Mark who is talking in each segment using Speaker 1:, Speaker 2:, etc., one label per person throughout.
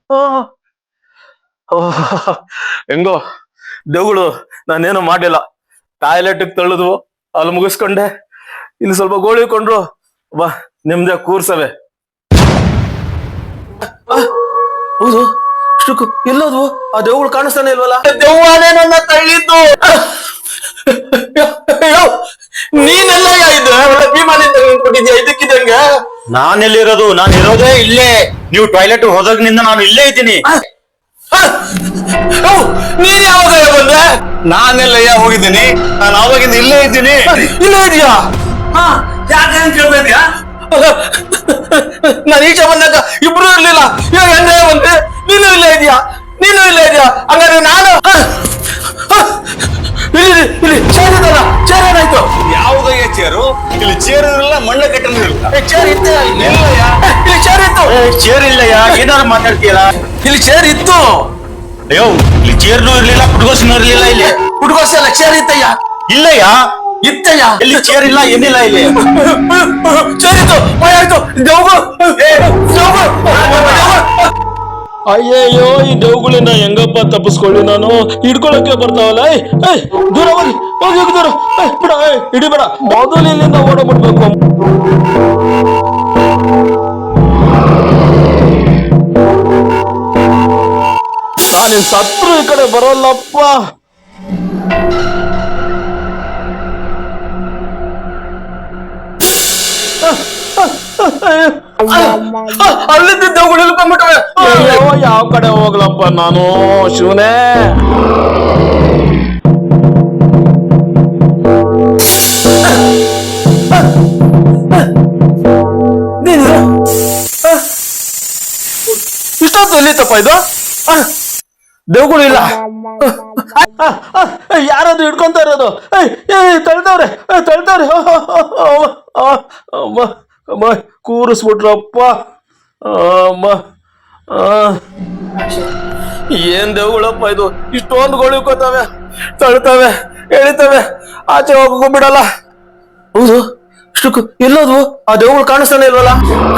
Speaker 1: ಹೆಂಗೋ ದೇವುಗಳು ನಾನೇನು ಮಾಡಿಲ್ಲ. ಟಾಯ್ಲೆಟ್ ತಳ್ಳಿದ್ವು, ಅಲ್ಲಿ ಮುಗಿಸ್ಕೊಂಡೆ. ಇಲ್ಲಿ ಸ್ವಲ್ಪ ಗೋಳಿ ಕೊಂಡ್ರು, ಬಾ ನಿಮ್ದೆ ಕೂರ್ಸವೆ. ಹೌದು, ಎಲ್ಲೋದ್ವು? ಆ ದೇವುಗಳು ಕಾಣಿಸ್ತಾನೆ ಇಲ್ವಲ್ಲ? ದೆವ್ವಾನೇ ನನ್ನ ತಳ್ಳಿದ್ದು. ನೀನೆಲ್ಲ ಇದು ಭೀಮಾನಿಂದ ಕೊಟ್ಟಿದ್ಯಾ ಇದಕ್ಕಿದಂಗ?
Speaker 2: ನಾನೆಲ್ಲಿರೋದು? ನಾನು ಇರೋದೇ ಇಲ್ಲೇ. ನೀವು ಟಾಯ್ಲೆಟ್ ಹೋದಾಗಿನಿಂದ ನಾನು ಇಲ್ಲೇ ಇದ್ದೀನಿ.
Speaker 1: ನೀನ್ ಯಾವಾಗ ಬಂದೆ?
Speaker 2: ನಾನೆಲ್ಲಯ್ಯ ಹೋಗಿದ್ದೀನಿ. ನಾನು ಆವಾಗಿಂದ ಇಲ್ಲೇ ಇದ್ದೀನಿ.
Speaker 1: ಇಲ್ಲೇ ಇದೆಯಾ?
Speaker 2: ಯಾಕೆ ಕೇಳ್ತಾ ಇದೀಯಾ?
Speaker 1: ನಾನು ಈಚೆ ಬಂದಾಗ ಇಬ್ರು ಇರ್ಲಿಲ್ಲ, ಇವಾಗ ಎಂದೇ ಬಂದೆ. ನೀನು ಇಲ್ಲೇ ಇದೆಯಾ? ನೀನು ಇಲ್ಲೇ ಇದೆಯಾ? ಹಂಗಾದ್ರೆ ನಾನು ಇಲ್ಲಿ ಚೇರ್ ಇದಲ್ಲ, ಚೇರ್ ಏನಾಯ್ತು?
Speaker 2: ಯಾವುದಯ್ಯ ಚೇರು? ಇಲ್ಲಿ ಚೇರ್ ಇರಲ್ಲ, ಮಣ್ಣ ಕಟ್ಟಲು ಇರಲ್ಲ.
Speaker 1: ಚೇರ್ ಇತ್ತು
Speaker 2: ಇಲ್ಲಯ್ಯ,
Speaker 1: ಇಲ್ಲಿ ಚೇರ್ ಇತ್ತು.
Speaker 2: ಚೇರ್ ಇಲ್ಲಯ್ಯ, ಏನಾದ್ರು ಮಾತಾಡ್ತೀಯಲ್ಲ?
Speaker 1: ಇಲ್ಲಿ ಚೇರ್ ಇತ್ತು.
Speaker 2: ಅಯ್ಯೋ, ಇಲ್ಲಿ ಚೇರ್ನೂ ಇರ್ಲಿಲ್ಲ, ಪುಟ್ಕೋಸನೂ ಇರ್ಲಿಲ್ಲ. ಇಲ್ಲಿ
Speaker 1: ಪುಟ್ಕೋಸ ಎಲ್ಲ ಚೇರ್ ಇತ್ತಯ್ಯ.
Speaker 2: ಇಲ್ಲಯ್ಯ,
Speaker 1: ಇತ್ತಯ್ಯ.
Speaker 2: ಇಲ್ಲಿ ಚೇರ್ ಇಲ್ಲ, ಏನಿಲ್ಲ. ಇಲ್ಲಿ
Speaker 1: ಚೇರ್ ಇತ್ತು, ಆಯ್ತು. ಅಯ್ಯಯ್ಯೋ, ಈ ದೇವುಗಳಿಂದ ಹೆಂಗಪ್ಪ ತಪ್ಪಿಸ್ಕೊಳ್ಳಿ ನಾನು? ಹಿಡ್ಕೊಳಕ್ಕೆ ಬರ್ತಾವಲ್ಲ. ದೂರ ಹೋಗಿ ಹೋಗಿ ದೂರ ಬಿಡ, ಹಿಡಿಬೇಡ. ಮೊದಲು ಇಲ್ಲಿಂದ ಓಡಬಿಡ್ಬೇಕು. ನಾನಿನ್ ಸತ್ರು ಈ ಕಡೆ ಬರೋಲ್ಲಪ್ಪ. ಅಲ್ಲಿದ್ದ ದೇವುಗಳು ಇಳ್ಕೊಂಡ್ಬಿಟ್ಟವೆ. ಯಾವ ಕಡೆ ಹೋಗ್ಲಪ್ಪ ನಾನು? ಶಿವನೇ, ಇಷ್ಟೊತ್ತು ಎಲ್ಲಿತ್ತಪ್ಪ ಇದು? ದೇವುಗಳು ಇಲ್ಲ. ಯಾರದು ಹಿಡ್ಕೊಂತ ಇರೋದು? ತಳ್ತವ್ರೆ ತಳ್ತವ್ರೆ. ಕೂರಿಸ್ಬಿಟ್ರಪ್ಪ. ಏನ್ ದೇವುಗಳಪ್ಪ ಇದು? ಇಷ್ಟೊಂದು ಗೋಳಿಕೋತಾವೆ, ತಳ್ತವೆ, ಎಳಿತವೆ, ಆಚೆ ಹೋಗ್ಬಿಡಲ್ಲ. ಹೌದು, ಇಷ್ಟಕ್ಕೂ ಎಲ್ಲೋದ್ವು? ಆ ದೇವುಗಳು ಕಾಣಿಸ್ತಾನೆ ಇಲ್ವಲ್ಲ?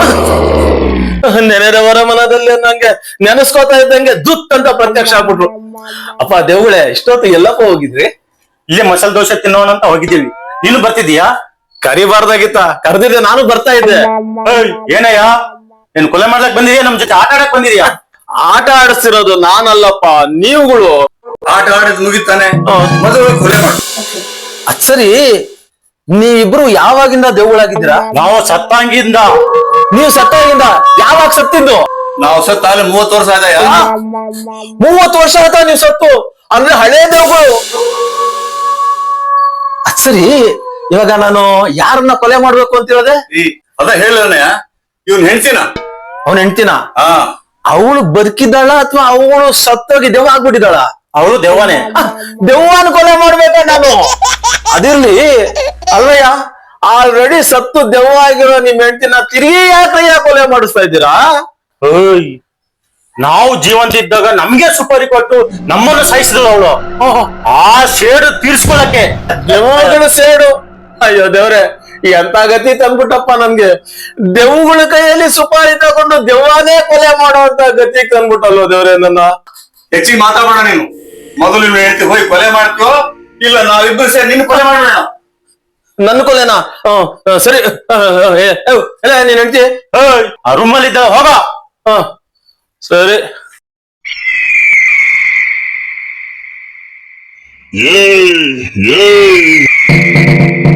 Speaker 1: ನೆನೆದವರ ಮನದಲ್ಲಿ ನಂಗೆ ನೆನೆಸ್ಕೋತಾ ಇದ್ದಂಗೆ ದುತ್ ಅಂತ ಪ್ರತ್ಯಕ್ಷ ಆಗ್ಬಿಟ್ರು. ಅಪ್ಪ ದೇವುಗಳೇ, ಇಷ್ಟೊತ್ತು ಎಲ್ಲಪ್ಪ ಹೋಗಿದ್ರಿ?
Speaker 2: ಇಲ್ಲೇ ಮಸಾಲೆ ದೋಸೆ ತಿನ್ನೋಣ ಅಂತ ಹೋಗಿದ್ದೀವಿ. ನೀನು ಬರ್ತಿದೀಯಾ?
Speaker 1: ಕರಿಬಾರ್ದಾಗಿತ್ತ, ಕರೆದಿದ್ರೆ ನಾನು ಬರ್ತಾ ಇದ್ದೆ.
Speaker 2: ಏನಯ್ಯ, ನೀನ್ ಕೊಲೆ ಮಾಡ್ಲಕ್ ಬಂದಿದ್ಯಾ? ನಮ್ ಜೊತೆ ಆಟ ಆಡಕ್ ಬಂದಿದ್ಯಾ?
Speaker 1: ಆಟ ಆಡಿಸ್ತಿರೋದು ನಾನಲ್ಲಪ್ಪ, ನೀವುಗಳು.
Speaker 2: ಆಟ ಆಡಿದ್ ಮುಗಿತಾನೆ, ಮೊದಲು ಕೊಲೆ ಮಾಡು.
Speaker 1: ಅದ್ ಸರಿ, ನೀವಿಬ್ರು ಯಾವಾಗಿಂದ ದೇವುಗಳಾಗಿದ್ದೀರಾ?
Speaker 2: ನಾವು ಸತ್ತಾಂಗಿಂದ.
Speaker 1: ನೀವು ಸತ್ತಾಗಿಂದ? ಯಾವಾಗ ಸತ್ತಿದ್ದು?
Speaker 2: ನಾವು ಸತ್ತಾಲೆ 30 ವರ್ಷ ಆದಯ್ಯ.
Speaker 1: 30 ವರ್ಷ ಆಯ್ತಾ ನೀವು ಸತ್ತು? ಅಂದ್ರೆ ಹಳೇ ದೇವುಗಳು. ಅದ್ ಸರಿ, ಇವಾಗ ನಾನು ಯಾರನ್ನ ಕೊಲೆ ಮಾಡ್ಬೇಕು ಅಂತ ಹೇಳಿದೆ?
Speaker 2: ಅದ ಹೇಳನಯ್ಯ, ಇವ್ನ ಹೆಂಡ್ತಿನ.
Speaker 1: ಅವನ ಹೆಂಡ್ತಿನ? ಅವಳು ಬದುಕಿದ್ದಾಳ ಅಥವಾ ಅವಳು ಸತ್ತೋಗಿ ದೆವ್ವ ಆಗ್ಬಿಟ್ಟಿದ್ದಾಳ?
Speaker 2: ಅವಳು ದೆವ್ವನೇ.
Speaker 1: ದೆವ್ವನ ಕೊಲೆ ಮಾಡ್ಬೇಕ ನಾನು? ಅದಿರ್ಲಿ ಅಲ್ವಯ್ಯ, ಆಲ್ರೆಡಿ ಸತ್ತು ದೆವ್ವ ಆಗಿರೋ ನಿಮ್ ಹೆಂಡ್ತಿನ ತಿರುಗಿ ಯಾಕಯ್ಯ ಕೊಲೆ ಮಾಡಿಸ್ತಾ ಇದ್ದೀರಾ?
Speaker 2: ನಾವು ಜೀವಂತ ಇದ್ದಾಗ ನಮ್ಗೆ ಸುಪಾರಿ ಕೊಟ್ಟು ನಮ್ಮನ್ನು ಸಾಯಿಸಿದ್ರು ಅವಳು. ಆ ಸೇಡು ತೀರ್ಸ್ಕೊಳಕ್ಕೆ.
Speaker 1: ದೆವ್ವಗಳ ಸೇಡು? ಅಯ್ಯೋ ದೇವ್ರೆ, ಎಂತ ಗತಿ ತಂದ್ಬಿಟ್ಟಪ್ಪ ನನ್ಗೆ. ದೆವ್ವಗಳ ಕೈಯಲ್ಲಿ ಸುಪಾರಿ ತಗೊಂಡು ದೆವ್ವನೇ ಕೊಲೆ ಮಾಡುವಂತ ಗತಿ ತಂದ್ಬಿಟ್ಟಲ್ವ ದೇವ್ರೆ ನನ್ನ.
Speaker 2: ಹೆಚ್ಚಿಗೆ ಮಾತಾಡೋಣ ನೀನು. ಮೊದಲು ನೀವು ಹೇಳ್ತಿ ಹೋಗಿ ಕೊಲೆ ಮಾಡ್ತೀವೋ ಇಲ್ಲ ನಾವಿಬ್ಬರು ಸೇರಿ ನಿನ್ನ ಕೊಲೆ ಮಾಡೋಣ.
Speaker 1: ನನ್ನ ಕೊಲೆನಾ? ಸರಿ, ನೀನ್ ಹೇಳ್ತಿ
Speaker 2: ಆ ರೂಮಲ್ಲಿ ಇದ್ದ ಹೋಗ.
Speaker 1: ಸರಿ.
Speaker 2: ಏ